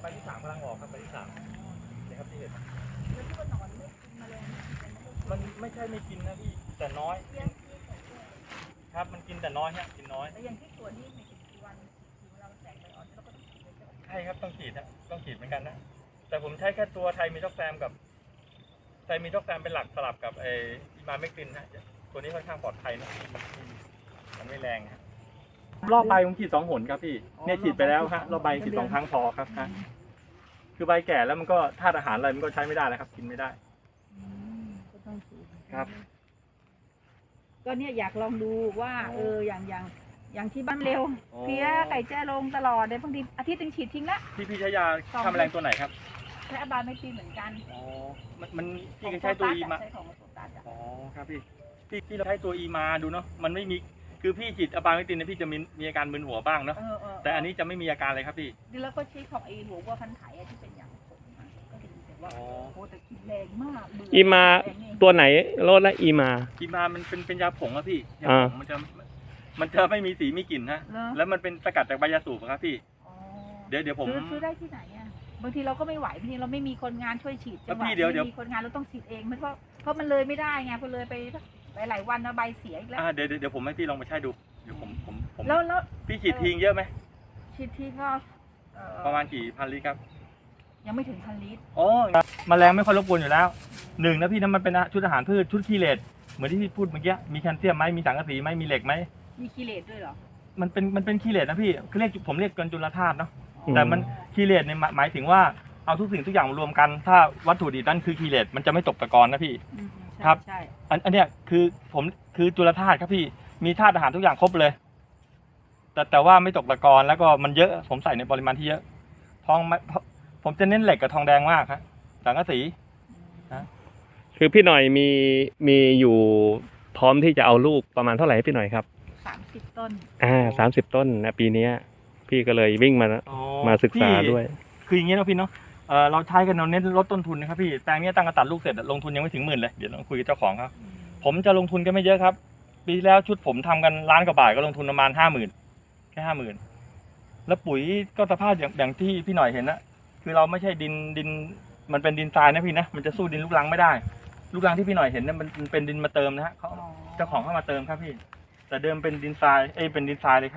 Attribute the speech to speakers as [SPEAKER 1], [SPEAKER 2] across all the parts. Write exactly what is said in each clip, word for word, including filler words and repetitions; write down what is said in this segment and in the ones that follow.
[SPEAKER 1] ใบที่สามกำลังออกครับใบที่สามนี่ครับที่เห็น
[SPEAKER 2] แล้วที่ว่าหนอนไม่กินแมลง
[SPEAKER 1] มันไม่ใช่ไม่กินนะพี่แต่น้อยครับมันกินแต่น้อยฮะกินน้อย
[SPEAKER 2] แต่อย่างที่ตัวนี้ในกี่วันถึงเราแตกใบอ่อนเราก็ต้องฉีดเลยใช่ไหม
[SPEAKER 1] ใช่ครับต้องฉีดฮะต้องฉีดเหมือนกันนะแต่ผมใช้แค่ตัวไทยมีท็อกแซมกับไทยมีท็อกแซมเป็นหลักสลับกับไออิมาเมกตินฮะตัวนี้ค่อนข้างปลอดภัยนะมันไม่แรงฮะรอบใบผมฉีดสองหนครับพี่เนี่ยฉีดไปแล้วฮะรอบใบฉีดสองครั้งพอครับฮะคือใบแก่แล้วมันก็ธาตุอาหารอะไรมันก็ใช้ไม่ได้แล้วครับกินไม่ได้
[SPEAKER 2] ก็ต้องฉีด
[SPEAKER 1] ครับ
[SPEAKER 2] ก็เนี่ยอยากลองดูว่าเอออย่างอย่างอย่างที่บ้านเร็วเพี้ยไก่แจ้ลงตลอดเลยบางทีอาทิตย์นึงฉีดทิ้งละ
[SPEAKER 1] พี่พี่ใช้ยาฆ่าแมลงตัวไหนครับ
[SPEAKER 2] ใช้อบาไม่ตีเหมือนกัน
[SPEAKER 1] อ๋อมันมันพี่ก็ใช้ตัวอีมา
[SPEAKER 2] ใช้ของโซตัสอ่ะ
[SPEAKER 1] อ๋อครับพี่พี่พี่เราใช้ตัวอีมาดูเนาะมันไม่มีคือพี่ฉีดอะบาเมกตินเนี่ยพี่จะมีมีอาการมึนหัวบ้างเนาะ
[SPEAKER 2] เออเออ
[SPEAKER 1] แต่อันนี้จะไม่มีอาการเลยครับพี่
[SPEAKER 2] ดีแล้วก็ใช้ของไอ้หัววัวพันธุ์ไถอะที่เป็นอย่างผมอะก็ดีแต่ว่า
[SPEAKER 1] อ๋อ
[SPEAKER 2] โอ้แต่กินแรงมากเบื่
[SPEAKER 3] อีมา
[SPEAKER 2] แรงนี่
[SPEAKER 3] ตัวไหนโลดและอีมา
[SPEAKER 1] อีมามันเป็นเป็นยาผงอะพี่ยา
[SPEAKER 3] อ่า
[SPEAKER 1] ผงมันจะมันจะไม่มีสีมีกลิ่นฮะ
[SPEAKER 2] เหรอ
[SPEAKER 1] แล้วมันเป็นสกัดจากใบยาสูบอะครับพี่
[SPEAKER 2] อ๋อ
[SPEAKER 1] เดี๋ยวเดี๋ยวผม
[SPEAKER 2] ซื้อซื้อได้ที่ไหนอ่ะบางทีเราก็ไม่ไหวบางทีเราไม่มีคนงานช่วยฉีดจังห
[SPEAKER 1] แล้ว
[SPEAKER 2] วะ
[SPEAKER 1] พี่เดี๋ยวเดี๋ยว
[SPEAKER 2] ไม่มีคนงานเราต้องฉีดเองมันเพราะเพราะมันเลยไม่ได้ไงพอเลยไปหลายๆวันนะใบเสียอีกแล้ว
[SPEAKER 1] อ่าเดี๋ยวเดี๋ยวเดี๋ยวผมให้พี่ลองไปใช้ดูเดี๋ยวผมผมผม
[SPEAKER 2] แล้วแล้ว
[SPEAKER 1] พี่ฉีดทิ้งเยอะไหม
[SPEAKER 2] ฉีดที่ก็เอ่อ
[SPEAKER 1] ประมาณกี่พันลิตรครับ
[SPEAKER 2] ยังไม่ถึงพันลิตร
[SPEAKER 1] อ๋อแมลงไม่ค่อยรบกวนอยู่แล้วหนึ่งนะพี่นะมันเป็นชุดอาหารพืชชุดคีเลตเหมือนที่พี่พูดเมื่อกี้มีแคลเซียมไหมมีสังกะสีไหมมีเหล็กไหม
[SPEAKER 2] มีกิเลสด้วยเหรอ
[SPEAKER 1] มันเป็นมันเป็นคีเลตนะพี่คือเรียกผมเรียกกันจุลธาตุเนาะ
[SPEAKER 3] อืม
[SPEAKER 1] แต่มันคีเลตเนี่ยหมายถึงว่าเอาทุกสิ่งทุกอย่างมารวมกัน ถ้าวัตถุดิบนั่นคือคีเลตมันจะไม่ตกตะกอนนะพี่
[SPEAKER 2] อืมใช่
[SPEAKER 1] ครับ
[SPEAKER 2] ใช่
[SPEAKER 1] อันอันเนี้ยคือผมคือจุลธาตุครับพี่มีธาตุอาหารทุกอย่างครบเลย แต่แต่ว่าไม่ตกตะกอนแล้วก็มันเยอะผมใส่ในปริมาณที่เยอะทองไม่ผมจะเน้นเหล็กกับทองแดงมากครับสังกะสี
[SPEAKER 3] คือพี่หน่อยมีมีอยู่พร้อมที่จะเอาลูกประมาณเท่าไหร่ให้พี่หน่อยครับ
[SPEAKER 2] สามสิบต้น
[SPEAKER 3] อ่าสามสิบต้นนะปีเนี้ยพี่ก็เลยวิ่งมามาศึกษา
[SPEAKER 1] พี่
[SPEAKER 3] ด้วย
[SPEAKER 1] คืออย่างนี้นะพี่เนาะเออเราใช้กันเราเน้นลดต้นทุนนะครับพี่แปลงนี้ตั้งกระตัดลูกเสร็จลงทุนยังไม่ถึงหมื่นเลยเดี๋ยวเราคุยกับเจ้าของครับผมจะลงทุนกันไม่เยอะครับ ปีที่แล้วชุดผมทำกันล้านกว่าบาทก็ลงทุนประมาณห้าหมื่นแค่ห้าหมื่นแล้วปุ๋ยก็สภาพอย่างอย่างที่พี่หน่อยเห็นนะคือเราไม่ใช่ดินดินมันเป็นดินทรายนะพี่นะมันจะสู้ดินลูกรังไม่ได้ ลูกรังที่พี่หน่อยเห็นเนี่ยมันมันเป็นดินมาเติมนะฮะเขาเจ้าของเข้ามาเติมครับพี่ แต่เดิมเป็นดินทรายเอ้ยเป็นดินทรายเลยครับ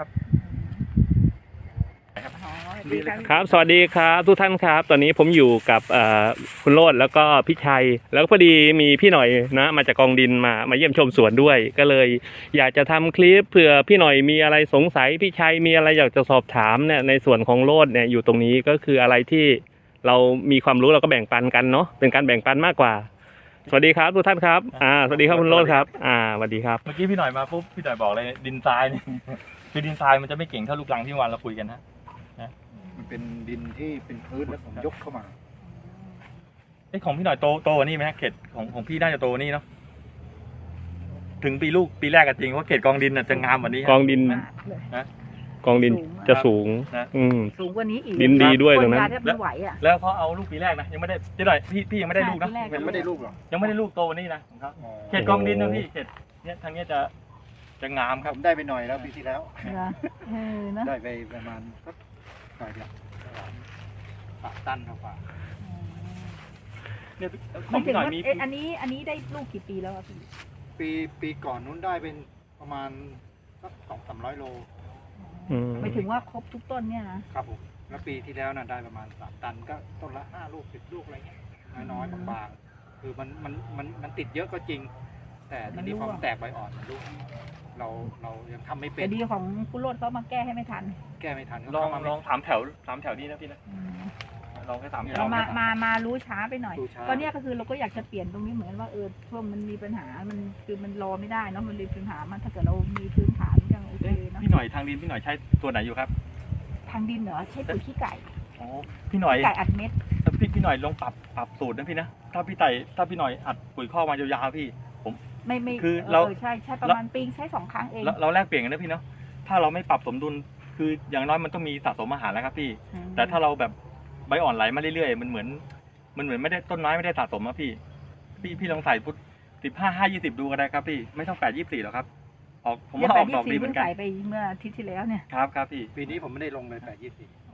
[SPEAKER 2] อ๋อ
[SPEAKER 1] ดีเลย
[SPEAKER 3] ครับ สวัสดีครับทุกท่านครับ ตอนนี้ผมอยู่กับเอ่อคุณโรจน์แล้วก็พี่ชัย แล้วก็พอดีมีพี่หน่อยนะมาจากกองดินมามาเยี่ยมชมสวนด้วย ก็เลยอยากจะทำคลิปเผื่อพี่หน่อยมีอะไรสงสัยพี่ชัยมีอะไรอยากจะสอบถามเนี่ยในส่วนของโรจน์เนี่ยอยู่ตรงนี้ก็คืออะไรที่เรามีความรู้เราก็แบ่งปันกันเนาะเป็นการแบ่งปันมากกว่า สวัสดีครับทุกท่านครับอ่าสวัสดีครับคุณโรจน์ครับอ่าสวัสดีครับ
[SPEAKER 1] เมื่อกี้พี่หน่อยมาปุ๊บพี่หน่อยบอกเลยดินทรายเนี่ย คือดินทรายมันจะไม่เก่งเท่าลูกรังที่วันเราคุยกันฮะ
[SPEAKER 4] มันเป็นดินที่เป็นพื้นแล้วผมยกเข้ามา
[SPEAKER 1] ไอ้ยของพี่หน่อยโตโตกว่านี่ไหมฮะเขตของของพี่น่าจะโตกว่านี่เนาะถึงปีลูกปีแรกกันจริงเพราะเขตกองดินน่ะจะงามกว่านี้ฮะ
[SPEAKER 3] กองดิน
[SPEAKER 2] มากเลย
[SPEAKER 3] กองดินจะสูง
[SPEAKER 1] นะ
[SPEAKER 3] อืม
[SPEAKER 2] สูงกว่านี้อีก
[SPEAKER 3] ดินดีด้วย
[SPEAKER 2] ค
[SPEAKER 3] ตร
[SPEAKER 2] น
[SPEAKER 3] งนั้น
[SPEAKER 2] งานแทบไม่ไหวอ่ะ
[SPEAKER 1] แล้วเขาเอาลูกปีแรกนะยังไม่ได้พี่หน่อยพี่พี่ยังไม่ได้ลูกนะ
[SPEAKER 2] ใช่ปีแรก
[SPEAKER 4] มันไม่ได้ลูกหรอก
[SPEAKER 1] ยังไม่ได้ลูกโตกว่านี่นะของเขาเขตกองดินนะพี่เขตเนี้ยทางเนี้ยจะจะงามค
[SPEAKER 4] ผ
[SPEAKER 1] รับ
[SPEAKER 4] มได้ไปหน่อยแล้วปีที่แล้ว
[SPEAKER 2] เหรอเออเนอะ
[SPEAKER 4] ได้ไปประมาณสักหน่อยเดียวปะตันเท่าป่า
[SPEAKER 1] เนี่ยข
[SPEAKER 2] ห
[SPEAKER 1] อ
[SPEAKER 2] มาง ยถึ
[SPEAKER 1] พี่
[SPEAKER 2] ง
[SPEAKER 1] หน่อย
[SPEAKER 2] ว่า
[SPEAKER 1] มี
[SPEAKER 2] เอ๊ะอันนี้อันนี้ได้ลูกกี่ปีแล้วอะพี่
[SPEAKER 4] ปีปีก่อนนู้นได้เป็นประมาณสักสองสามร้อยโล
[SPEAKER 3] อืม
[SPEAKER 2] หมายถึงว่าครบทุกต้นเนี่ยนะครับ
[SPEAKER 4] ผมแล้วปีที่แล้วน่ะได้ประมาณสามตันก็ต้นละห้าลูกสิบลูกอะไรเงี้ยน้อยๆบางๆคือมันมันมันมันติดเยอะก็จริง แต่ทีนี้พอมันแตกใบอ่อนมันลูกเราเรายังทำไม่เป็
[SPEAKER 2] แต่
[SPEAKER 4] น
[SPEAKER 2] ดีของคุณโรดเขามาแก้ให้ไม่ทัน
[SPEAKER 4] แก้ไม่ทัน
[SPEAKER 1] ลอง
[SPEAKER 4] เข้ามา
[SPEAKER 1] ล
[SPEAKER 4] ไม่
[SPEAKER 1] องถามแถวถามแถวนี้นะพี่นะ
[SPEAKER 2] อืม
[SPEAKER 1] ลองแค่ถามแถว
[SPEAKER 2] เรามามามารู้ช้าไปหน่อย
[SPEAKER 4] ดูช้า
[SPEAKER 2] ก็เนี่ยก็คือเราก็อยากจะเปลี่ยนตรงนี้เหมือนว่าเออช่วงมันมีปัญหามันคือมันรอไม่ได้เนาะมันมีปัญหามันถ้าเกิดเรามีพื้นฐานยังโอเค
[SPEAKER 1] เอ๊ะ
[SPEAKER 2] เนาะ
[SPEAKER 1] พี่หน่อยทางดินพี่หน่อยใช้ตัวไหนอยู่ครับ
[SPEAKER 2] ทางดินเหรอใช้ปุ๋ยขี้ไก่
[SPEAKER 1] อ๋อพี่หน่อย
[SPEAKER 2] ไก่อัดเม็ด
[SPEAKER 1] พี่พี่หน่อยลองปรับปรับสูตรนะพี่นะถ้าพี่ไต่ถ้าพี่หน่อยอัดปุ๋ยข้อกมายาวๆพี่ผม
[SPEAKER 2] ไม่ไม่
[SPEAKER 1] คือเรา
[SPEAKER 2] ใช่ใช่ประมาณปีใช้สองครั้งเอง
[SPEAKER 1] เราเราแลกเปลี่ยนกันนะพี่เนาะถ้าเราไม่ปรับสมดุลคืออย่างน้อยมันต้องมีสะสมอาหารแล้วครับพี่
[SPEAKER 2] อืม
[SPEAKER 1] แต่ถ้าเราแบบใบอ่อนไหลมาเรื่อยๆมันเหมือนมันเหมือนไม่ได้ต้นไม้ไม่ได้สะสมอะพี่ พี่พี่ลองใส่พุทสิบห้าห้ายี่สิบดูก็ได้ครับพี่ไม่ต้องแปดยี่สี่หรอกครับออกผม
[SPEAKER 2] เนี่ย
[SPEAKER 1] ว่า
[SPEAKER 2] แป
[SPEAKER 1] อ
[SPEAKER 2] ด
[SPEAKER 1] อก
[SPEAKER 2] ยี่
[SPEAKER 1] ดอกดี
[SPEAKER 2] สี่
[SPEAKER 1] เหมื
[SPEAKER 2] เพิ่
[SPEAKER 1] อง นกัน
[SPEAKER 2] ใส่ไปเมื่ออาทิตย์ที่แล้วเนี่ย
[SPEAKER 1] ครับครับพี่
[SPEAKER 4] ปีนี้ผมไม่ได้ลงเลยแปดยี่สิบ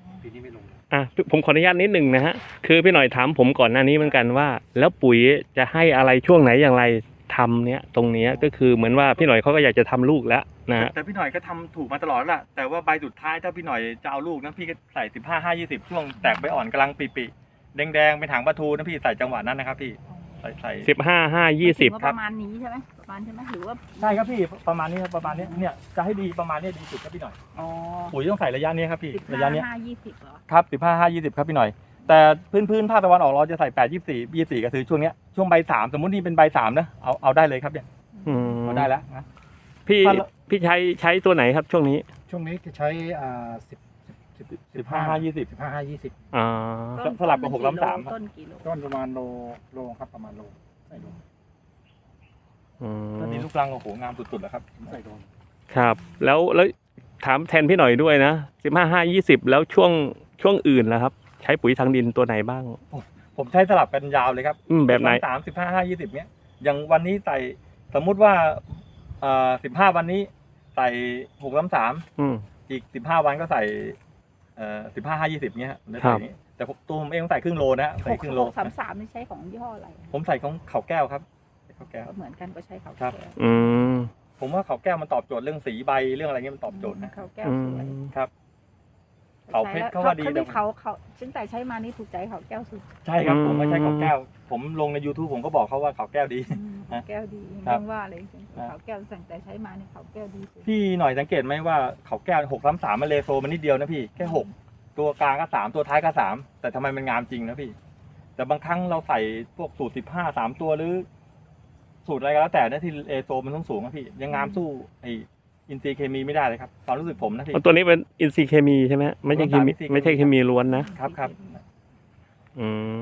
[SPEAKER 4] ปีนี้ไม่ลงเลย
[SPEAKER 3] อ่ะผมขออนุญาตนิดหนึ่งนะฮะคือพี่หน่อยถามผมก่อนหน้านี้เหมือนกันว่า แล้วปุ๋ยจะให้อะไรช่วงไหนอย่างไรทำเนี้ยตรงเนี้ยก็คือเหมือนว่าพี่หน่อยเขาก็อยากจะทำลูกแล้วนะฮะ
[SPEAKER 1] แต่พี่หน่อยก็ทำถูกมาตลอดแหละแต่ว่าใบสุดท้ายถ้าพี่หน่อยจะเอาลูกนะพี่ก็ใส่สิบห้าห้ายี่สิบช่วงแตกใบอ่อนกำลังปีๆแดงๆเป็นหางปลาทูนะพี่ใส่จังหวะนั้นนะครับพี่ใส่ใส่
[SPEAKER 3] สิบห้าห้ายี่สิบ
[SPEAKER 2] หมายถึงว่าประมาณนี้ใช่ไหมประมาณใช่ไหมหรือว่า
[SPEAKER 1] ใช่ครับพี่ประมาณนี้ครับประมาณนี้เนี่ยจะให้ดีประมาณนี้ดีสุดครับพี่หน่อย
[SPEAKER 2] อ๋อ
[SPEAKER 1] ปุ๋ยต้องใส่ระยะนี้ครับพี่
[SPEAKER 2] สิบ
[SPEAKER 1] ระ
[SPEAKER 2] ห้าย
[SPEAKER 1] ะนี้
[SPEAKER 2] ห้ายี่สิบเหรอ
[SPEAKER 1] ครับสิบห้าห้ายี่สิบครับพี่หน่อยแต่พื้นพื้นภาคตะวันออกเราจะใส่แปดยี่สี่ยี่สี่ก็คือช่วงเนี้ยช่วงใบสามสมมตินี่เป็นใบสามนะเอาเอาได้เลยครับเนี่ย
[SPEAKER 3] อืม
[SPEAKER 1] เอาได้แล้วนะ
[SPEAKER 3] พี่
[SPEAKER 1] ถ้าเรา
[SPEAKER 3] พี่ใช้ใช้ตัวไหนครับช่วงนี้
[SPEAKER 4] ช่วงนี้จะใช้อ่าสิบสิบ
[SPEAKER 1] สิบห้าห้ายี่สิบ
[SPEAKER 4] สิบห้าห้ายี่สิบ
[SPEAKER 3] อ่า
[SPEAKER 2] ต้น
[SPEAKER 1] สลับกับหกล้ำสาม
[SPEAKER 2] ต้นกี่โล
[SPEAKER 4] ต้นประมาณโลโลครับประมาณโลใส่โล
[SPEAKER 3] อืม
[SPEAKER 1] ตอนนี้ลูกรังโอ้โหงามสุดๆแล้วครับ
[SPEAKER 4] ใส่โล
[SPEAKER 3] ครับ แล้วแล้วถามแทนพี่หน่อยด้วยนะสิบห้าห้ายี่สิบแล้วช่วงช่วงอื่นล่ะครับ ใช้ปุ๋ยทางดินตัวไหนบ้าง
[SPEAKER 1] ผมใช้สลับกันยาวเลยครับ
[SPEAKER 3] อืมแบบไหน
[SPEAKER 1] สามสิบห้าห้ายี่สิบเนี้ยอย่างวันนี้ใส่สมมุติว่าเอ่อสิบห้าวันนี้ใส่หกล้ำสาม
[SPEAKER 3] อืม
[SPEAKER 1] อีกสิบห้าวันก็ใส่เอ่อสิบห้าห้ายี่สิบเนี้ยฮะได้
[SPEAKER 3] ครั
[SPEAKER 1] ใส่
[SPEAKER 3] บ
[SPEAKER 1] นี้แต่ผมตัวผมเองใส่ครึ่งโลนะฮะ
[SPEAKER 2] ห
[SPEAKER 1] ใส่
[SPEAKER 2] ก
[SPEAKER 1] ครึ่งโล
[SPEAKER 2] หกสามสามนี่ใช้ของยี่ห้ออะไร
[SPEAKER 1] ผมใส่ของเขาแก้วครับเขาแก้ว
[SPEAKER 2] เหมือนกันก็ใช้เขา
[SPEAKER 1] ครับ
[SPEAKER 2] แก้ว
[SPEAKER 3] อืม
[SPEAKER 1] ผมว่าเขาแก้วมันตอบโจทย์เรื่องสีใบเรื่องอะไรเงี้ยมันตอบโจทย์นะ
[SPEAKER 2] เขาแก้ว
[SPEAKER 3] อื
[SPEAKER 2] สวย
[SPEAKER 3] ม
[SPEAKER 1] ครับ เขาเพชรเขาว่าดี
[SPEAKER 2] เขา
[SPEAKER 1] แต่
[SPEAKER 2] ที่เขาเขาตั้งแต่ใช้มานี่ถูกใจเขาแก้วสุด
[SPEAKER 1] ใช่ครับ
[SPEAKER 3] อืม
[SPEAKER 1] ผมไม่ใช่เขาแก้ว ผมลงใน YouTube ผมก็บอกเขาว่าเขาแก้วดี
[SPEAKER 2] อืม
[SPEAKER 1] ฮะ
[SPEAKER 2] แก้วดี
[SPEAKER 1] ครับ
[SPEAKER 2] ยังว่าเลยจริงๆ
[SPEAKER 1] ครับ
[SPEAKER 2] เขาแก้วตั้งแต่ใช้มานี่เขาแก้วดีสุด
[SPEAKER 1] พี่หน่อยสังเกตไหมว่าเขาแก้วหกสามสามมันเลโซมันนิดเดียวนะพี่แค่หกตัวกลางก็สามตัวท้ายก็สามแต่ทำไมมันงามจริงนะพี่ แต่บางครั้งเราใส่พวกสูตรสิบห้าสามตัวหรือ สูตรอะไรก็แล้วแต่นะที่เลโซมันต้องสูงนะพี่ยังงามสู้ไออินทรีย์เคมีไม่ได้เลยครับความรู้สึกผมนะพี่
[SPEAKER 3] เอาตัวนี้เป็นอินทรีย์เคมีใช่ไหมไม่ใช่เคมี
[SPEAKER 1] อินทรีย์เคมี
[SPEAKER 3] ไม่ใช่เคมีล้วนนะ
[SPEAKER 1] ครับครับ
[SPEAKER 3] อืม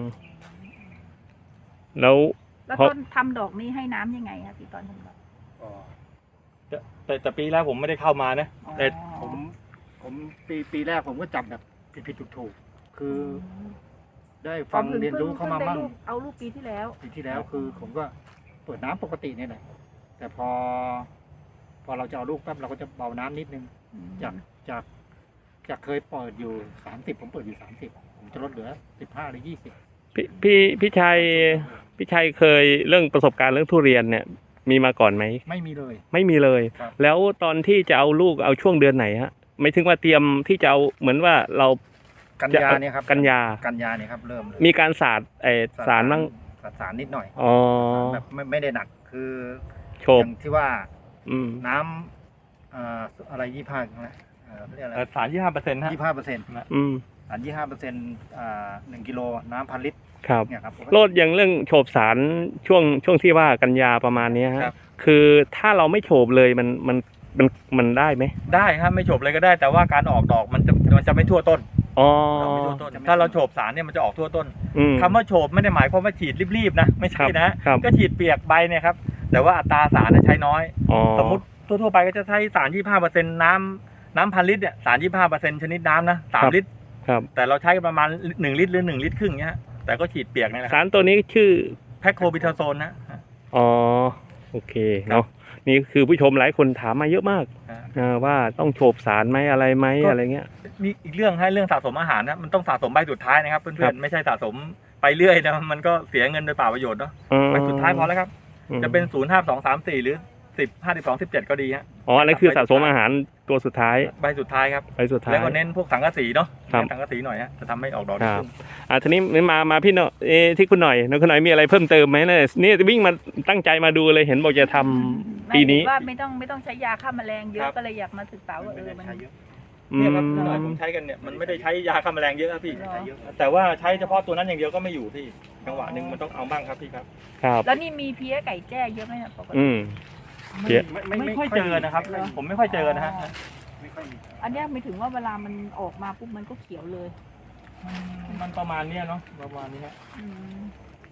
[SPEAKER 3] แล้ว
[SPEAKER 2] แล้ว
[SPEAKER 3] เพราะ
[SPEAKER 2] ต้นทำดอกนี้ให้น้ำยังไงคะพี่ตอนทำดอก
[SPEAKER 4] ก็
[SPEAKER 1] แต่แต่แต่ปีแล้วผมไม่ได้เข้ามานะ
[SPEAKER 2] อ๋อ
[SPEAKER 1] แต่
[SPEAKER 4] ผมผมปีปีแรกผมก็จับแบบผิดผิดถูกถูกๆคือได้ฟัง
[SPEAKER 2] อ๋อพิ่
[SPEAKER 4] เรียนรู้เข้ามา
[SPEAKER 2] พิ่ง
[SPEAKER 4] มั่ง
[SPEAKER 2] ได้ลูกเอาลูกปีที่แล้ว
[SPEAKER 4] ปีที่แล้วคือผมก็เปิดน้ำปกตินี่แหละแต่พอ พอเราจะเอาลูกปั๊บเราก็จะเบาน้ำนิดนึง จากจากจากเคยเปิดอยู่สามสิบผมเปิดอยู่สามสิบผมจะลดเหลือสิบห้าหรือยี่สิบ
[SPEAKER 3] พี่พี่พี่ชัยพี่ชัยเคยเรื่องประสบการณ์เรื่องทุเรียนเนี่ย มีมาก่อนไหม
[SPEAKER 4] ไม่มีเลย
[SPEAKER 3] ไม่มีเลย
[SPEAKER 4] ครับ
[SPEAKER 3] แล้วตอนที่จะเอาลูกเอาช่วงเดือนไหนฮะไม่ถึงว่าเตรียมที่จะเอาเหมือนว่าเรา
[SPEAKER 4] กันยาเนี่ยครับ
[SPEAKER 3] กันยา
[SPEAKER 4] กันยาเนี่ยครับเริ่มเลย
[SPEAKER 3] มีการสาดไอสารบ้าง
[SPEAKER 4] สารสารนิดหน่อย
[SPEAKER 3] อ๋อ
[SPEAKER 4] แบบไม่ไม่ได้หนักคือ
[SPEAKER 3] โฉ
[SPEAKER 4] อบ ย่างที่ว่า
[SPEAKER 3] อืม
[SPEAKER 4] น้ำเอ่ออะไรยี่ห้านะเอ่อเรียกอะไร
[SPEAKER 1] เอ่อสารยี่ห้าเปอร์เซ็นต์ฮะ
[SPEAKER 4] ยี่ห้าเปอร์เซ็นต์
[SPEAKER 3] อืม
[SPEAKER 4] สารยี่ห้าเปอร์เซ็นต์อ่าหนึ่งกิโลน้ำพันลิตร
[SPEAKER 3] ครับ
[SPEAKER 4] เนี่ยครับ
[SPEAKER 3] โลดอย่างเรื่องโฉบสารช่วงช่วงที่ว่ากันยาประมาณเนี้ยฮะ
[SPEAKER 1] ครับ
[SPEAKER 3] คือถ้าเราไม่โฉบเลยมันมันมันมันได้ไหม
[SPEAKER 1] ได้ครับไม่โฉบเลยก็ได้ แต่ว่าการออกดอกมันจะมันจะไม่ทั่วต้น
[SPEAKER 3] อ๋อ
[SPEAKER 1] ดอกไม่ทั่วต้น ถ้าเราโฉบสารเนี่ยมันจะออกทั่วต้น
[SPEAKER 3] อืม
[SPEAKER 1] คำว่าโฉบไม่ได้หมายความว่าฉีดรีบๆนะไม่ใช่นะ
[SPEAKER 3] ครับ
[SPEAKER 1] ก็ฉีดเปียกใบเนี่ยครับแต่ว่าอัตราสารเนี่ยใช้น้อย
[SPEAKER 3] อ๋อ
[SPEAKER 1] สมมติทั่วๆไปก็จะใช้สารยี่ห้าเปอร์เซ็นต์น้ำน้ำพันลิตรเนี่ยสารยี่ห้าเปอร์เซ็นต์ชนิดน้ำนะสามลิตร
[SPEAKER 3] ครับ
[SPEAKER 1] แต่เราใช้ประมาณหนึ่งลิตรหรือหนึ่งลิตรครึ่งเนี้ยฮะแต่ก็ฉีดเปียกนี่แหละค
[SPEAKER 3] สา
[SPEAKER 1] รับ
[SPEAKER 3] รตัวนี้ชื่อ
[SPEAKER 1] แพคโคบิทาโซนนะ
[SPEAKER 3] อ๋อโอเคเนาะนี่คือผู้ชมหลายคนถามมาเยอะมาก
[SPEAKER 1] ฮะ
[SPEAKER 3] เออว่าต้องโฉบสารไหมอะไรไหม
[SPEAKER 1] ก็
[SPEAKER 3] อะไรเงี้ย
[SPEAKER 1] มีอีกเรื่องให้เรื่องสะสมอาหารนะมันต้องสะสมใบสุดท้ายนะครับ
[SPEAKER 3] ครั
[SPEAKER 1] เพื่อน
[SPEAKER 3] บ
[SPEAKER 1] ๆไม่ใช่สะสมไปเรื่อยนะมันก็เสียเงินโดยเปล่าประโยชน์เนาะ
[SPEAKER 3] อืม
[SPEAKER 1] ใบสุดท้ายพอแล้วครับ
[SPEAKER 3] อืม
[SPEAKER 1] จะเป็นศูนย์ห้าสองสามสี่หรือสิบห้าสิบสองสิบเจ็ดก็ดีฮะ
[SPEAKER 3] อ๋ออันนั้นคือสะสมอาหารตัวสุดท้าย
[SPEAKER 1] ใบสุดท้ายครับ
[SPEAKER 3] ไปสุดท้าย
[SPEAKER 1] แล้วก็เน้นพวกสังกะสีเนาะ
[SPEAKER 3] ครับ
[SPEAKER 1] เน้นสังกะสีหน่อยฮะจะทำให้ออกดอก
[SPEAKER 3] ค
[SPEAKER 1] ดี
[SPEAKER 3] รับ
[SPEAKER 1] ขึ้น
[SPEAKER 3] อ่าทีนี้มามาพี่เนาะเอะที่คุณหน่อยน้องคุณหน่อยมีอะไรเพิ่มเติมไหมเนี่ยนี่วิ่งมาตั้งใจมาดูเลยเห็นบอกจะทำปีนี้
[SPEAKER 2] ไม่ว่าไม่ต้องไม่ต้องใช้ยาฆ่าแมลงเย
[SPEAKER 1] ครั
[SPEAKER 2] อะ
[SPEAKER 1] บ
[SPEAKER 2] ก็เลยอยากมาศึกษาว่าเออมัน
[SPEAKER 3] อื
[SPEAKER 1] เนี่ย
[SPEAKER 3] ม
[SPEAKER 1] ครับพี่หน่อยผมใช้กันเนี่ยมันไม่ได้ใช้ยาฆ่าแมลงเยอะครับพี่
[SPEAKER 2] เหรอ
[SPEAKER 1] แต่ว่าใช้เฉพาะตัวนั้นอย่างเดียวก็ไม่อยู่พี่จังหวะหนึ่งมันต้องเอาบ้างครับพี่ครับ
[SPEAKER 3] ครับ
[SPEAKER 2] แล้วนี่มีเพี้ยไก่แจ้เยอะไหมเนี่ยปกติ
[SPEAKER 3] อืม เพี้ย
[SPEAKER 1] ไม่ค่อยเจอนะครับ ผมไม่ค่อยเจอนะฮะ
[SPEAKER 4] ไม่ค่อยมี
[SPEAKER 2] อันเนี้ยไม่ถึงว่าเวลามันออกมาปุ๊บมันก็เขียวเลย
[SPEAKER 1] มันประมาณเนี้ยเนาะประมาณนี้ฮะ
[SPEAKER 2] อืม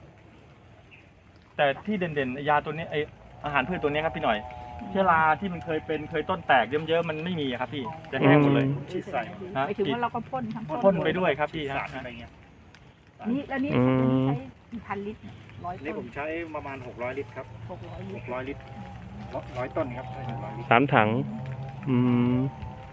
[SPEAKER 1] แต่ที่เด่นๆยาตัวนี้ไออาหารพืชตัวนี้ครับพี่หน่อยเชื้อราที่มันเคยเป็นเคยต้นแตกเยิ้มๆมันไม่มีอะครับพี่จะแห้งหมดเลย
[SPEAKER 4] ฉีดใส่
[SPEAKER 1] ฮะ
[SPEAKER 2] ไม่ถึงว่าเราก็พ่นทั้ง
[SPEAKER 1] พ่นไปด้วยครับพี่ฮะ
[SPEAKER 4] สารอะไรเงี้ย
[SPEAKER 2] นี่แล้วนี่
[SPEAKER 3] อืม
[SPEAKER 2] ใช้กี่พันลิตรเนี่ยร้อย
[SPEAKER 4] นี่
[SPEAKER 2] ต้
[SPEAKER 4] ผ
[SPEAKER 2] น
[SPEAKER 4] มใช้ประมาณหกร้อยลิตรครับ
[SPEAKER 2] หกร้อยลิ
[SPEAKER 4] ห
[SPEAKER 2] ตร
[SPEAKER 4] กร้อยลิตรร้อยต้นครับใช้หกร้อยลิตร
[SPEAKER 3] สามถัง อืม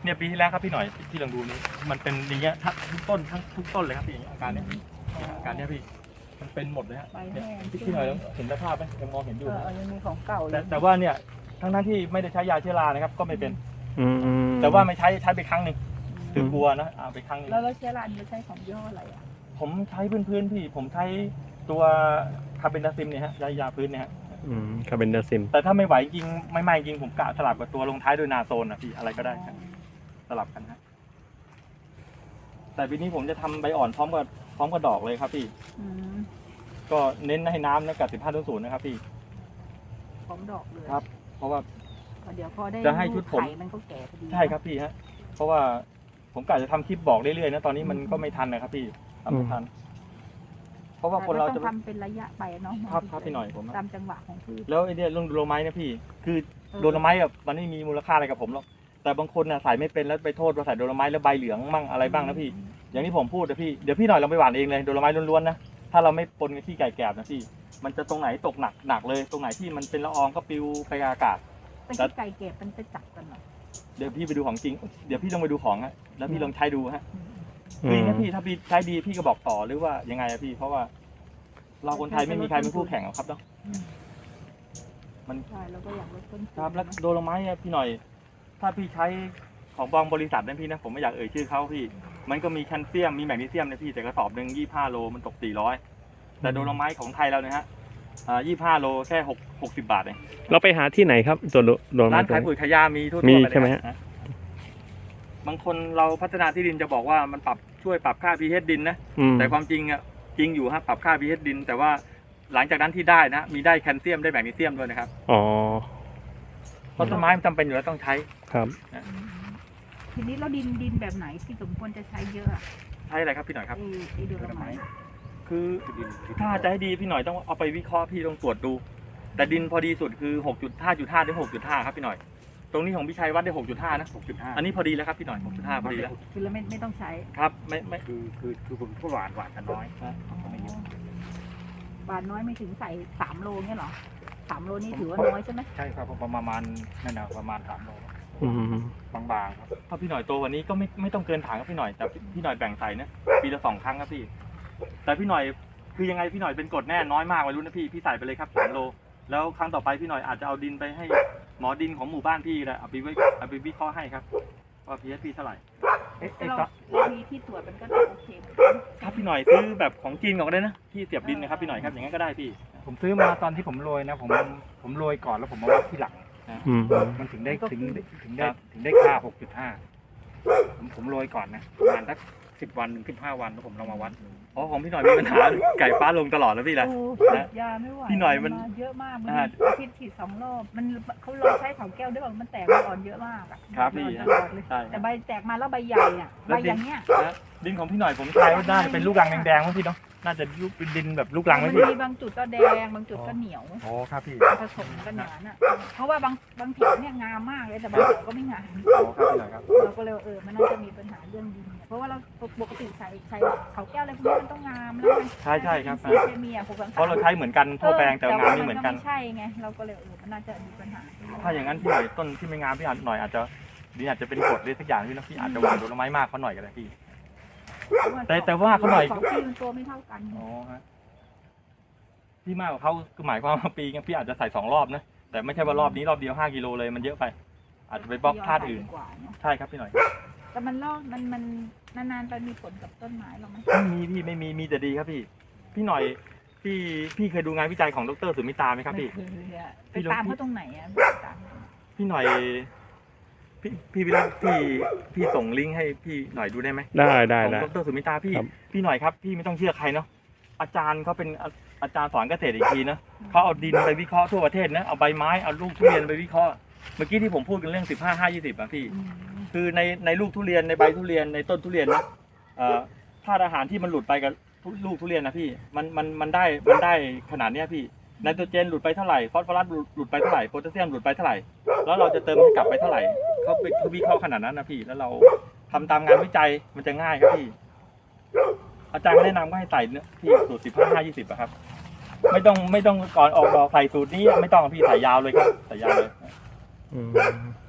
[SPEAKER 1] เนี่ยปีที่แล้วครับพี่หน่อยที่ลองดูนี่มันเป็นอย่างเงี้ยทั้งทุกต้นทั้งทุกต้นเลยครับพี่อาการเนี้ยอาการเนี้ยพี่มันเป็นหมดเลยฮะ
[SPEAKER 2] ใบ
[SPEAKER 1] เนี่ย
[SPEAKER 2] แห้ง
[SPEAKER 1] พี่พี่หน่อยเห็นสภาพไหมยังมองเห็นอ
[SPEAKER 2] เอยู่ อ
[SPEAKER 1] นะ
[SPEAKER 2] เออยังมีของเก่าอยู่
[SPEAKER 1] แต่แต่ว่าเนี่ยทั้งทั้งที่ไม่ได้ใช้ยาเชื้อรานะครับก็ไม่เป็น
[SPEAKER 3] อืม
[SPEAKER 1] แต่ว่าไม่ใช้ใช้ไปครั้งหนึ่งคือกลัวนะเอาไปครั้งหนึง
[SPEAKER 2] แล้วเราใช้ร้านเราใช้ของยี่ห้ออะไรอ่ะ
[SPEAKER 1] ผมใช้พื้นๆพี่ผมใช้ตัวคาร์เบนดาซิมเนี่ยฮะยายาพื้นเนี่ยฮะ
[SPEAKER 3] อืมคาร์เบนดาซิม
[SPEAKER 1] แต่ถ้าไม่ไหวจริงไม่ไหม่จริงผมกะสลับกับตัวลงท้ายด้วยนาโซนนะพี่อะไรก็ได้ครับสลับกันฮะแต่ปีนี้ผมจะทำใบอ่อนพร้อมกับพร้อมกับดอกเลยครับพี่
[SPEAKER 2] อืม
[SPEAKER 1] ก็เน้นให้น้ำนะกับสิบห้าต้นศูนย์นะครับพี่
[SPEAKER 2] พร้อมดอกเลย
[SPEAKER 1] ครับ เพราะว่า
[SPEAKER 2] เดี๋ยวพอได้
[SPEAKER 1] จะให้ชุดผม
[SPEAKER 2] ไข่มันก็แก่พอดี
[SPEAKER 1] ใช่ครับพี่ฮะเพราะว่าผมกะจะทำคลิปบอกเรื่อยๆนะตอนนี้มันก็ไม่ทันนะครับพี่ทำไม่ทัน เพราะว่าคนเรา
[SPEAKER 2] ต้
[SPEAKER 1] จะ
[SPEAKER 2] องทำเป็นระยะไปเนาะ
[SPEAKER 1] ครับครับพี่หน่อยผม
[SPEAKER 2] ตามจังหวะของพืช
[SPEAKER 1] แล้วไอเนี่ยเรื่องโดโลไม้นะพี่ คือ
[SPEAKER 2] เออ
[SPEAKER 1] โดโลไม้แบบมันไม่มีมูลค่าอะไรกับผมหรอกแต่บางคนน่ะใส่ไม่เป็นแล้วไปโทษว่าใส่โดโลไม้แล้วใบเหลืองมั่งอะไรบ้างนะพี่ อย่างที่ผมพูดนะพี่ เดี๋ยวพี่หน่อยเราไปหว่านเองเลยโดโลไม้ล้วนๆนะ ถ้าเราไม่ปนกับที่ไก่แกบนะพี่ มันจะตรงไหนตกหนักหนักเลย ตรงไหนที่มันเป็นละอองก็ปลิวไปกับอากาศ
[SPEAKER 2] เป็นที่ไก่เก็บมันไปจับกันเหรอ
[SPEAKER 1] เดี๋ยวพี่ไปดูของจริง เดี๋ยวพี่ลองไปดูของฮะ แล้วพี่ลองใช้ดูฮะ
[SPEAKER 2] อืม
[SPEAKER 1] ดีนะพี่ ถ้าพี่ใช้ดีพี่ก็บอกต่อหรือว่ายังไงอะพี่ เพราะว่า เราคนไทยไม่มีใครเป็นคู่แข่งหรอกครับเนาะ
[SPEAKER 2] อืม
[SPEAKER 1] มัน
[SPEAKER 2] ใช่เราก็อยากลดต้นทุน
[SPEAKER 1] ครับแล้วโดโลไม้อะพี่หน่อย ถ้าพี่ใช้ของบางบริษัทนะพี่นะผมไม่อยากเอ่ยชื่อเขาพี่ มันก็มีแคลเซียมมีแมกนีเซียมนะพี่แต่กระสอบหนึ่งยี่ห้าโลมันตกสี่ร้อยแต่โดโลไม้ของไทยเราเนี่ยฮะอ่ายี่ห้าโลแค่หกหกสิบบาทเอง
[SPEAKER 3] เราไปหาที่ไหนครับตัวโดโดน
[SPEAKER 1] ร้าน
[SPEAKER 3] ตัว
[SPEAKER 1] ขาย
[SPEAKER 3] นี้
[SPEAKER 1] ปุ๋ยขายยามีทั่ว
[SPEAKER 3] มี
[SPEAKER 1] ๆไปเลย
[SPEAKER 3] ใช่ไหมฮะ
[SPEAKER 1] ฮะบางคนเราพัฒนาที่ดินจะบอกว่ามันปรับช่วยปรับค่า pH ดินนะ
[SPEAKER 3] อืม
[SPEAKER 1] แต่ความจริงอ่ะจริงอยู่ฮะปรับค่า pH ดิน แต่ว่าหลังจากนั้นที่ได้นะมีได้แคลเซียมได้แมกนีเซียมด้วยนะครับ
[SPEAKER 3] อ๋อ
[SPEAKER 1] เพราะต้นไม้มันจำเป็นอยู่แล้วต้องใช้
[SPEAKER 3] ครับ
[SPEAKER 2] อืมทีนี้เราดินดินแบบไหนที่สมควรจะใช้เยอะอะ
[SPEAKER 1] ใช้อะไรครับพี่หน่อยครับ
[SPEAKER 2] ไอ้ไอ้โดโลไม้
[SPEAKER 1] คือถ้าจะให้ดีพี่หน่อยต้องเอาไปวิเคราะห์พี่ต้องตรวจดู แต่ดินพอดีสุดคือ หกจุดห้า จุดห้า ถึง หกจุดห้า ครับพี่หน่อย ตรงนี้ของพี่ชัยวัดได้ หกจุดห้า นะ
[SPEAKER 4] หกจุดห้า
[SPEAKER 1] อันนี้พอดีแล้วครับพี่หน่อย หกจุดห้า พอดีแล้ว
[SPEAKER 2] คือเราไม่ไม่ต้องใช้
[SPEAKER 1] ครับไม่ไม่
[SPEAKER 4] คือคือคือผมก็หวานหวานกันน้อย
[SPEAKER 2] อ๋อ บาทน้อยไม่ถึงใส่สามโลเงี้ยเหรอสามโลนี่ถือว่าน้อยใช่ไหม
[SPEAKER 4] ใช่ครับผมประมาณนั่นนะประมาณสามโล
[SPEAKER 3] อืม
[SPEAKER 4] บางๆครับ
[SPEAKER 1] ถ้าพี่หน่อยโตกวันนี้ก็ไม่ไม่ต้องเกินถังครับพี่หน่อยแต่พี่หน่อยแบ่งใส่นะปีละสองครั้งครับพี่ แต่พี่หน่อยคือยังไงพี่หน่อยเป็นกรดแน่น้อยมากวัยรุ่นนะพี่พี่ใส่ไปเลยครับสามโล แล้วครั้งต่อไปพี่หน่อยอาจจะเอาดินไปให้หมอดินของหมู่บ้านพี่แหละเอาไปไว้เอาไปวิเคราะห์ให้ครับว่า pH พี่เท่าไหร่เอ๊ะ
[SPEAKER 2] แต่
[SPEAKER 1] เอ๊ะ
[SPEAKER 2] เรา
[SPEAKER 1] ก็
[SPEAKER 2] เรามีที่ตรวจมันก็โอเคเหมือนกัน
[SPEAKER 1] ครับพี่หน่อยซื้อแบบของจีนก่อนก็ได้นะที่เสียบดินนะครับพี่หน่อยครับอย่างนั้นก็ได้พี่
[SPEAKER 4] ผมซื้อมาตอนที่ผมโรยนะผมผมโรยก่อนแล้วผมมาวัดที่หลัง
[SPEAKER 3] อืม
[SPEAKER 4] มันถึงได้ถึงถึงได้
[SPEAKER 1] ครับ
[SPEAKER 4] ถึงได้ค่า หกจุดห้า ผมผมโรยก่อนนะประมาณสักสิบวันถึงสิบห้าวันแล้วผมลองมาวัด
[SPEAKER 1] อ๋อของพี่หน่อยมีปัญหาไก่ฟ้าลงตลอดแล้วพี่แหละ
[SPEAKER 2] โอ้ฉีดยาไม่ไหว
[SPEAKER 1] พี่หน่อยมัน
[SPEAKER 2] าเยอะมากมัน
[SPEAKER 1] อ่า
[SPEAKER 2] อาทิตย์ฉีดสองรอบมันเขาลองใช้เขาแก้วด้วยบอกมันแตกมันอ่อนเยอะมากอะ
[SPEAKER 1] ครับพี่
[SPEAKER 2] มันอ่อนตลอดเลย
[SPEAKER 1] ใช่
[SPEAKER 2] แต่ใบแตกมาแล้วใบใหญ่อะ
[SPEAKER 1] แล้
[SPEAKER 2] ใบ
[SPEAKER 1] วดิน
[SPEAKER 2] อย่างเงี้ย
[SPEAKER 1] นะดินของพี่หน่อยผมทายว่าน่าจะเป็นลูกรังแดงๆมั้งพี่เนาะน่าจะลูกเป็นดินแบบลูกรังไหม
[SPEAKER 2] มัน
[SPEAKER 1] พี่
[SPEAKER 2] มีบางจุดก็แดงบางจุดก็เหนียว
[SPEAKER 1] อ๋อครับพี่
[SPEAKER 2] ผสมกันอย่างนั้นอะเพราะว่าบางบางแถวเนี่ยงามมากเลยแต่บางแถวก็ไม่งาม
[SPEAKER 1] อ๋อครับพี่หน่อยครับ
[SPEAKER 2] เราก็เลยเออมันน่าจะมีปัญหาเรื่องดินเนี่ยเพราะว่าเราปกติใช้ใช้เขาแก้วอะไรพวกนี้มันต้องงามแล้วไง
[SPEAKER 1] ใช่ใช่ครับ
[SPEAKER 2] อินทรีย์เคมีอะหกสามสาม
[SPEAKER 1] เพราะเราใช้เหมือนกันทั่วแปลงแต่งานไม่เหมือนกัน
[SPEAKER 2] ไม่ใช่ไงเราก็เลยเออมันน่าจะมีปัญหา
[SPEAKER 1] ถ้าอย่างนั้นพี่หน่อยต้นที่ไม่งามพี่หน่อยอาจจะดินอาจจะเป็นกรดหรือสักอย่างพี่นะพี่อาจจะหวานโดนไม้มากเขาหน่อยก็ได้พี่ แต่แต่ว่าเขาหน่อย
[SPEAKER 2] สองปีมันตัวไม่เท่ากัน
[SPEAKER 1] อ๋อฮะพี่มากกว่าเขาคือหมายความว่าปีนึงพี่อาจจะใส่สองรอบนะแต่ไม่ใช่ว่ารอบนี้รอบเดียวห้ากิโลเลยมันเยอะไป อาจจะไปบล็อกธาตุอื่น
[SPEAKER 2] กว่าเนอะ
[SPEAKER 1] ใช่ครับพี่หน่อย
[SPEAKER 2] แต่มันลอกมันมันนานๆไปมีผลกับต้นไม้หรอไหม
[SPEAKER 1] ไม่มีพี่ไม่มีมีแต่ดีครับพี่ พี่หน่อยพี่พี่เคยดูงานวิจัยของดรสุมิตาไหมครับพี่
[SPEAKER 2] ไม่เคยอะ
[SPEAKER 1] พี่
[SPEAKER 2] ไป
[SPEAKER 1] ลอง
[SPEAKER 2] ตามเขาตรงไหนอะไปตาม
[SPEAKER 1] พี่หน่อย พี่พี่วิรัตพี่พี่ส่งลิงก์ให้พี่หน่อยดูได้ไหม
[SPEAKER 3] ได้ได้
[SPEAKER 1] ของ
[SPEAKER 3] ได้
[SPEAKER 1] ดรสุมิตาพี่
[SPEAKER 3] ครับ
[SPEAKER 1] พี่หน่อยครับพี่ไม่ต้องเชื่อใครเนาะอาจารย์เขาเป็นอาอาจารย์สอนเกษตรอีกทีนะเขาเอาดินไปวิเคราะห์ทั่วประเทศนะเอาใบไม้เอาลูกทุเรียนไปวิเคราะห์เมื่อกี้ที่ผมพูดกันเรื่องสิบห้าห้ายี่สิบอะพี่
[SPEAKER 2] อืม
[SPEAKER 1] คือในในลูกทุเรียนในใบทุเรียนในต้นทุเรียนนะเอ่อธาตุอาหารที่มันหลุดไปกับทุลูกทุเรียนนะพี่มันมันมันได้มันได้ขนาดเนี้ยพี่ไนโตรเจนหลุดไปเท่าไหร่ฟอสฟอรัสหลุดหลุดไปเท่าไหร่โพแทสเซียมหลุดไปเท่าไหร่แล้วเราจะเติมให้กลับไปเท่าไหร่เขาไปเขาวิเคราะห์ขนาดนั้นนะพี่แล้วเราทำตามงานวิจัยมันจะง่ายครับพี่ อาจารย์ก็แนะนำก็ให้ใส่เนื้อพี่สูตรสิบห้าห้ายี่สิบอะครับ ไม่ต้องไม่ต้องก่อนออกดอกใส่สูตรนี้ไม่ต้องพี่ใส่ยาวเลยครับใส่ยาวเลย
[SPEAKER 3] อืม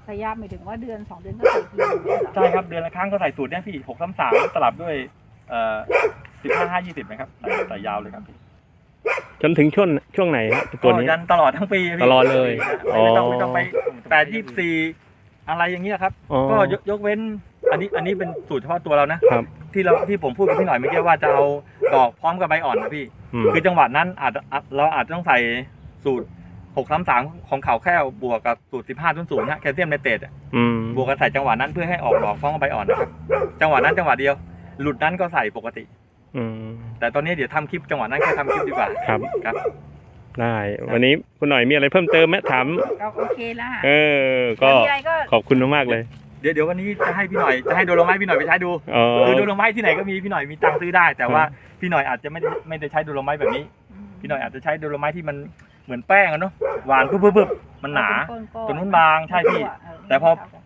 [SPEAKER 2] ระยะหมายถึงว่าเดือนสองเดือนก็ใส่ทีหนึ่งเลยเหรอ
[SPEAKER 1] ใช่ครับเดือนละครั้งก็ใส่สูตรเนี่ยพี่หกสามสามสลับด้วยเอ่อสิบห้าห้ายี่สิบนะครับใส่ใส่ยาวเลยครับพี่
[SPEAKER 3] จนถึงช่วงช่วงไหนครับตัวนี้
[SPEAKER 1] ก็ยันตลอดทั้งปีพี่
[SPEAKER 3] ตลอดเลย
[SPEAKER 1] ไม่ต้อง
[SPEAKER 3] อ๋อ
[SPEAKER 1] ไม่ต้องไปแปดยี่สี่อะไรอย่างเงี้ยครับ
[SPEAKER 3] อ๋อ
[SPEAKER 1] ก็ยกยกเว้นอันนี้อันนี้เป็นสูตรเฉพาะตัวเรานะครับ ที่เราที่ผมพูดกับพี่หน่อยเมื่อกี้ว่าจะเอาดอกพร้อมกับใบอ่อนนะพี่
[SPEAKER 3] อืม
[SPEAKER 1] คือจังหวะนั้นอาจจะเราอาจจะต้องใส่สูตรหกสามสามของเขาแค่บวกกับสูตรสิบห้าศูนย์ศูนย์นะแคลเซียมไนเตรต
[SPEAKER 3] อืม
[SPEAKER 1] บวกกันใส่จังหวะนั้นเพื่อให้ออกดอกพร้อมกับใบอ่อนนะครับจังหวะนั้นจังหวะเดียว หลุดนั้นก็ใส่ปกติ
[SPEAKER 3] อืม
[SPEAKER 1] แต่ตอนนี้เดี๋ยวทำคลิปจังหวะนั้นแค่ทำคลิปดีกว่า
[SPEAKER 3] ครับ
[SPEAKER 1] ครับ
[SPEAKER 3] ได้ วันนี้คุณหน่อยมีอะไรเพิ่มเติมไหมถาม
[SPEAKER 2] ก็โอเคแล้วค่ะ
[SPEAKER 3] เออ ก็
[SPEAKER 2] มีอะไรก็
[SPEAKER 3] ขอบคุณมากๆเลย
[SPEAKER 1] เดี๋ยวเดี๋ยววันนี้จะให้พี่หน่อยจะให้โดโลไม้พี่หน่อยไปใช้ดู
[SPEAKER 3] อ๋อ
[SPEAKER 1] คือโดโลไม้ที่ไหนก็มีพี่หน่อยมีตังค์ซื้อได้ แต่ว่าพี่หน่อยอาจจะไม่ได้ไม่ได้ใช้โดโลไม้แบบนี้ พี่หน่อยอาจจะใช้โดโลไม้ที่มันเหมือนแป้งอะเนาะหวานปุ๊บปุ๊บปุ๊บมันหนา
[SPEAKER 2] เป็ก้อๆ
[SPEAKER 1] ตัวนู้นบางใช่พี่
[SPEAKER 2] เ
[SPEAKER 1] แต่พอ
[SPEAKER 2] เท่ากัน